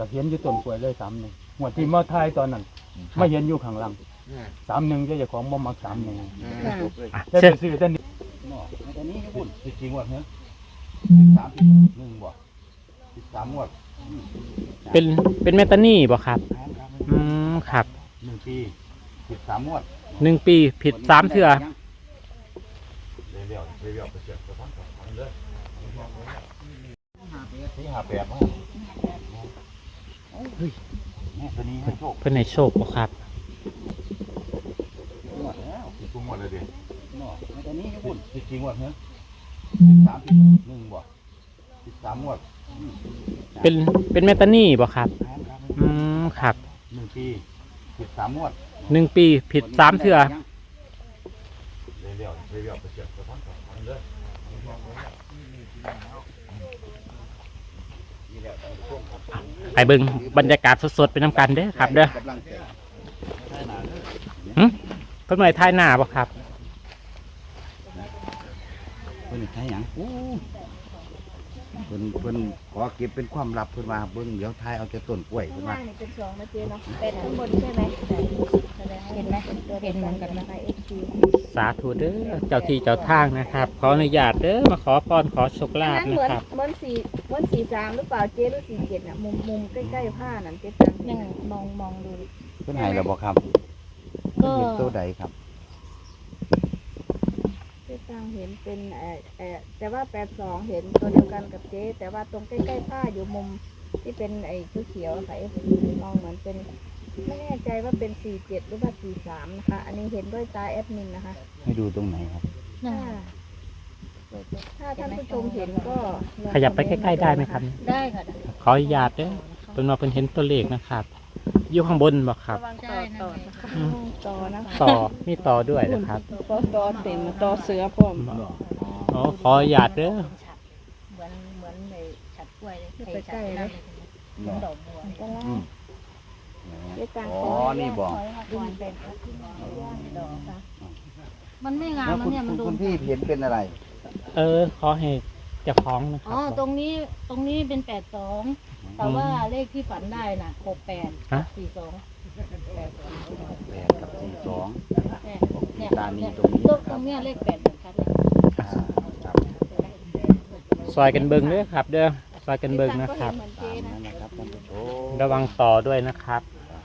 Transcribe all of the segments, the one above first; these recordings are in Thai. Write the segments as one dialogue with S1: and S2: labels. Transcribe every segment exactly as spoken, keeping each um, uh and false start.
S1: เห็นอยู่ต้นกล้วยเลยสามหนึ่งหัวที่มาทายตอนนั้นไม่เห็นอยู่ข้างหลังสามหนึ่งเจ้าของบ่มักสามหนึ่งแต่ไปซื้อแต่นี่แต่นี้ญี่ปุ่นสิบสี่งวดเนี่ยสิบสามสิบหนึ่งบ่สิบสามงวด
S2: เป็นเป็นเมตานี่บ่ครับอืมครับ
S1: หนึ่งปีสิบสามงวด
S2: หนึ่งปีผิดสามเทื่อ
S1: เรียวเรียวไปเสียบกระทั่งกับมันเลยที่หาแปดมาเฮ้ยแม่ตัวนี้ให้โชค
S2: เพื่อนในโชคบ่ครับ
S1: งวดแล้วสิบงวดเลยดิเนาะแม่ตัวนี้ญี่ปุ่นสิบสี่งวดเนี่ยสิบสามสิบหนึ่งบ่สิบสามงวด
S2: เป็นเป็นเมตานี่บ่ครับอืมครับ
S1: หนึ่งปีสิบสามงวด
S2: หนึ่งปีผิดสามเทื่อ
S1: เรียวเรียวไปเสียบกระทั่งกับมันเลย
S2: ไปเบิ่งบรรยากาศสดๆเป็นน้ำกันเด้อครับเด้อหึเพิ่นหน่อยท้ายหน้าบ่ครับ
S1: เพิ่นท้ายหยังเพิ่นเพิ่นขอเก็บเป็นความลับเพิ่นว่าเบิ่งเดี๋ยวท้ายเอาแต่ต้นกล้วยเพิ่นว่า
S3: นี่เป็นสองนะเจ๊เนาะเป็นข้างบนใช่ไหมเห็นไหมเห็นเหมือนกันนะคะเอ็กซ์
S2: สาธุเด้อเจ้าที่เจ้าทางนะครับขออนุญาตเด้อมาขอพรขอโชคลาภนะครับ
S3: เหมือนสี่เหมือนสี่สามหรือเปล่าเจ๊หรือสี่เจ็ดน่ะมุมมุมใกล้ๆผ้านั่นเจ๊ตังยังมองมองดู
S1: เพิ่นให้แล้วบ่ครับก็เห็นตัวใดครับ
S3: เจ๊ตังเห็นเป็นเอ่อเอ่อแต่ว่าแปดสองเห็นตัวเดียวกันกับเจ๊แต่ว่าตรงใกล้ๆผ้าอยู่มุมที่เป็นไอ้เขียวๆค่ะเอฟมองเหมือนเป็นไม่แน่ใจว่าเป็นสี่เจ็ดหรือว่าสี่สามนะคะอันนี้เห็นด้วยตาแอดมินนะคะ
S1: ให้ดูตรงไหนครับ
S3: ถ้าท่านผู้ชมเห็นก็
S2: ขยับไปใกล้ๆได้ไหมครับ
S3: ได้ค่ะ
S2: ขออนุญาตเด้อเป็นว่าเพิ่นเห็นตัวเลขนะครับอยู่ข้างบนบ่ครับ
S3: ต่อต่อต่อนะ
S2: ต่อมีต่อด้วยนะครับ
S3: ต่อเต็มต่อเสือพร้อม
S2: อ๋อขออนุญาตเด้อ
S3: เหมือนเหมือนในฉัดกล้วยเลยใกล้ๆเลยดอกบัว
S1: อ๋อนี่บอก
S3: มันไม่งามมันเนี่ยมันโดน
S1: คุณพี่เห็นเป็นอะไร
S2: เออขอให้เจ้าของนะครับ
S3: อ๋อตรงนี้ตรงนี้เป็นแปดสองแต่ว่าเลขที่ฝันได้น่ะหกแปดสี่สอง
S1: แปดกับสี่สอง
S3: เนี่ย
S1: ตานีตรงนี้
S3: ตรงเนี้ยเลขแปดเหมือนกันเลย
S2: ซอยกันเบิ่งเด้อครับเด้อซอยกันเบิ่งนะครับระวังต่อด้วยนะครับ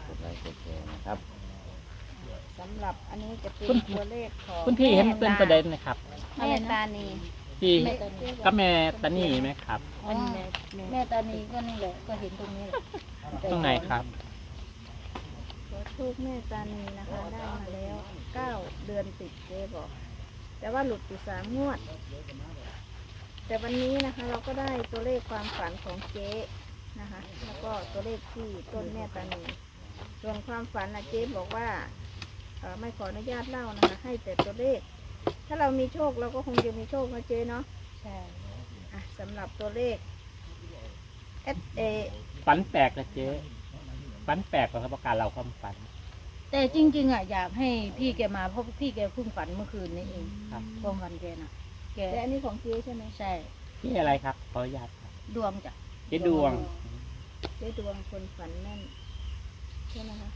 S3: สำหรับอันนี้จะเป็นตัวเลขของ
S2: คุณพี่เห็นเป็นประเด็นนะครับ
S3: แม่ตานี
S2: ที่ก็แม่ตานีไหมครับ
S3: แม่ตานีก็นี่แหละก็เห็นตรงนี้แหละ
S2: ตรงไหนครับ
S3: ขอทูบแม่ตานีนะคะได้มาแล้วเก้าเดือนติดเจ๊บอกแต่ว่าหลุดอยู่สามงวดแต่วันนี้นะคะเราก็ได้ตัวเลขความฝันของเจ๊นะคะแล้วก็ตัวเลขที่ต้นแม่ตานีส่วนความฝันนะเจ๊บอกว่าไม่ขออนุญาตเล่านะคะให้แต่ตัวเลขถ้าเรามีโชคเราก็คงจะมีโชคนะเจ๊เนาะใช่สำหรับตัวเลขเอสเอ
S2: ฝันแปลกนะเจ๊ฝันแปลกกว่าประการเราความฝัน
S3: แต่จริงๆอ่ะอยากให้พี่แกมาเพราะพี่แกเพิ่งฝันเมื่อคืนนี้เองครับความฝันแกน่ะแกแต่อันนี้ของเจ๊ใช่ไหมใช่
S2: พี่อะไรครับขออนุญาตครับ
S3: ดวงจ้ะ
S2: เจ๊ดวง
S3: เจ๊ดวงคนฝันแน่นใช่ไหมคะ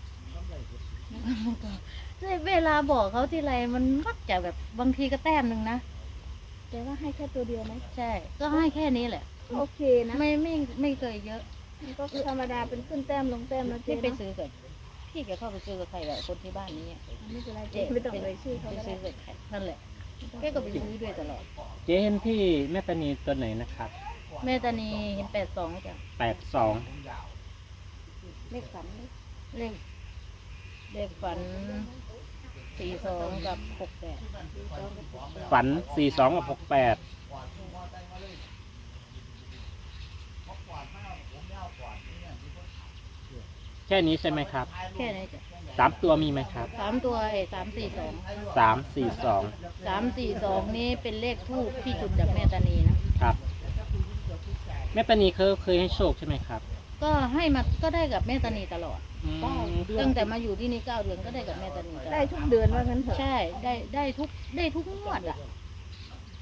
S3: เวลาบอกเขาที่ไรมันมักจะแบบบางทีก็แต้มหนึ่งนะแต่ว่าให้แค่ตัวเดียวไหมใช่ก็ให้แค่นี้แหละโอเคนะไม่ไม่ไม่เคยเยอะก็ธรรมดาเป็นขึ้นแต้มลงแต้มแล้วที่ไปซื้อเกิดพี่แกเข้าไปซื้อกับใครแบบคนที่บ้านนี้ไม่เป็นไรเจ๊ไม่ต้องเลยชื่อเขาไปซื้อกับใครนั่นแหละแกก็ไปซื้อด้วยตลอด
S2: เจ๊เห็นพี่แม่ตานีตัวไหนนะครับ
S3: แม่ตานีเห็นแปดสองจ้ะ
S2: แปดสอง
S3: เลขฝันเลขเลขฝันสี่สองกับหกแปด
S2: ฝันสี่สองกับหกแปดแค่นี้ใช่ไหมครับ
S3: แค่นี้จ้ะ
S2: สามตัวมีไหมครับ
S3: สามตัวเอสามสี่สอง
S2: สามสี่สอง
S3: สามสี่สองนี้เป็นเลขทูปที่จุดจากแม่ตานีนะครับ
S2: แม่ตานีเคยเคยให้โชคใช่ไหมครับ
S3: ก็ให้มาก็ได้กับแม่ตานีตลอดตั้งแต่มาอยู่ที่นี่เก้าเดือนก็ได้กับแม่ตานีได้ทุกเดือนว่างั้นเถอะใช่ได้ได้ทุกได้ทุกงวดอ่ะ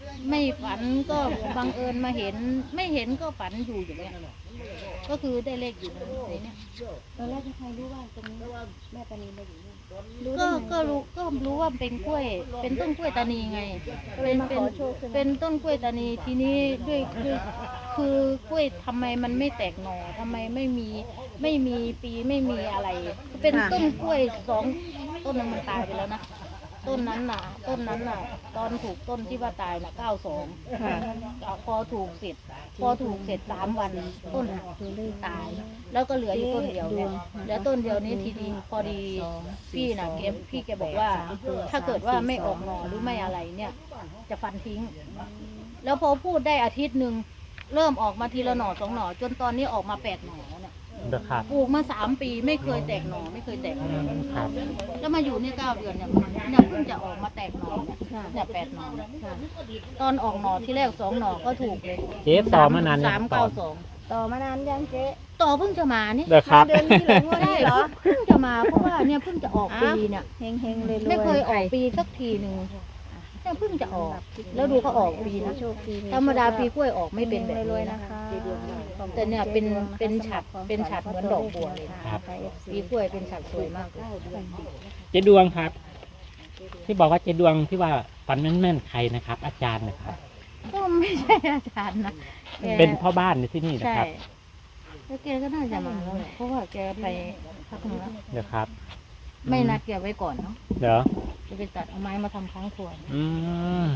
S4: ไม่ฝันก็บังเอิญมาเห็น ไม่เห็นก็ฝันอยู่อย่างเงี้ยก็คือได้เลขอยู่ในเนี้ย
S5: ตอนแรกใครรู้ว่าตรงนี้แม่ตานีมาอยู่นี่
S4: ก็ก็รู้ก็รู้ว่าเป็นกล้วย เป็นต้นกล้วยตานีไงเป็นเป็นเป็นต้นกล้วยตานีทีนี้ด้วยด้วยคือกล้วยทำไมมันไม่แตกหน่อทำไมไม่มีไม่มีปีไม่มีอะไร เป็นต้นกล้วยสองต้นนึงมันตายไปแล้วนะต้นนั้นน่ะ ต้นนั้นน่ะ ตอนถูกต้นที่ว่าตายน่ะเก้าสองพอถูกเสร็จ พอถูกเสร็จสามวันต้นหักตาย แล้วก็เหลืออยู่ต้นเดียวเนี่ยแล้วต้นเดียวนี้ทีดีพอดีพี่น่ะแกพี่แกบอกว่า ถ้าเกิดว่าไม่ออกหน่อหรือไม่อะไรเนี่ย จะฟันทิ้ง แล้วพอพูดได้อาทิตย์หนึ่งเริ่มออกมาทีละหน่อสองหน่อจนตอนนี้ออกมาแปดหน่อแล้วเนี่ย
S2: เด้อครับ
S4: ปลูกมาสามปีไม่เคยแตกหน่อไม่เคยแตกหน่อ
S2: ครับ
S4: แล้วมาอยู่เนี่ยเก้าเดือนเนี่ยเนี่ยเพิ่งจะออกมาแตกหน่อเนี่ยเนี่ยแปดหน่อตอนออกหน่อที่แรกสองหน่อก็ถูกเลย
S2: เจ๊ต่อมานาน
S4: สาม
S2: ต่อ
S4: เก้าสอง
S5: ต่อมานานยังเจ๊
S4: ต่อเพิ่งจะมานี่
S2: เด้อครับ
S5: เดือนนี้เหรองวด
S4: ใช่
S5: นี้
S4: เห
S5: เห
S4: ร
S5: ร
S4: อ
S5: อ
S4: เพิ่งจะมาเพราะว่าเนี่ยเพิ่งจะออกปีเนี่ย
S5: เฮงเฮงๆเลย
S4: ไม่เคยออกปีสักทีหนึ่งเนี่ยเพิ่งจะออก แล้วดูเขาออกปีนะ
S5: โชคดี
S4: ธรรมดาปีกล้วยออกไม่เป็นแบบ
S5: รวย
S4: นี้
S5: ๆ
S4: นะ
S5: นะคะ
S4: แต่เนี่ยเป็นเป็นฉัดเป็นฉัดเหมือนดอกบัวเลยนะครับ ปีกล้วยเป็นฉัดสวยมากเลย
S2: เจ๊ดวงครับ ที่บอกว่าเจ๊ดวงที่ว่าฝันแม่นๆใครนะครับ อาจารย์นะครับ
S4: ก็ไม่ใช่อาจารย์นะแก
S2: เป็นพ่อบ้านในที่นี่นะ
S4: ใช่
S2: ครับ
S4: แล้วแกก็น่าจะมาแล้วแหละเพราะว่าแกไปพักหนึงแล้ว
S2: เดี๋ยวครับ
S4: ไม่นัดแกไว้ก่อนเนาะ
S2: เดี๋ยว
S4: จะไปตัดเอาไม้มาทำค้างครัว
S2: อืม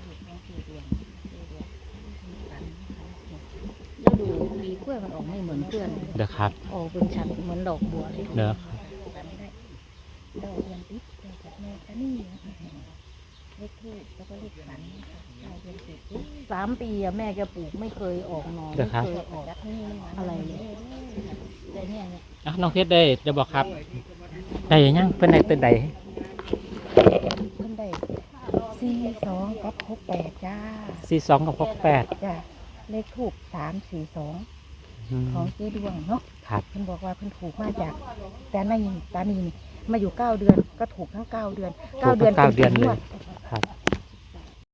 S4: แล้วดูปีกล้วยมันออกไม่เหมือนเพื่อน
S2: เดี๋ยวครับ
S4: ออกเป็นฉัดเหมือนดอกบัวเลย
S2: เดี๋ยว
S5: ดอกเดือนติดเดือนจากแม่ตานีนะคะเลขทูบแล้วก็เลขฝันนะคะเก้าเดือนติด
S4: สามปีอะแม่แกปลูกไม่เคยออกหนอ
S2: เดี๋
S4: ไม่
S2: ยวครับ
S4: เคยออกอะไรเลยแต่เนี่ยเนี่ย
S2: อ่ะน้องเพชรได้จะบอกครับ ได้ยังเพื่อนได้ตัวใด
S5: เพิ่นได้สี่สองกับหกแปดจ้า
S2: สี่สองกับหกแปด
S5: จ้าเลขทูบสามสี่สอง
S2: อืม
S5: ของเจ๊ดวงเนาะ
S2: ครับ
S5: เพิ่นบอกว่าเพิ่นถูกมาจากแต่ในตานีนี่มาอยู่เก้าเดือนก็ถูกทั้งเก้าเดือนเก้าเดือน
S2: เก้าเดือน
S5: ป็
S2: เล
S5: งวย ด
S2: ครับ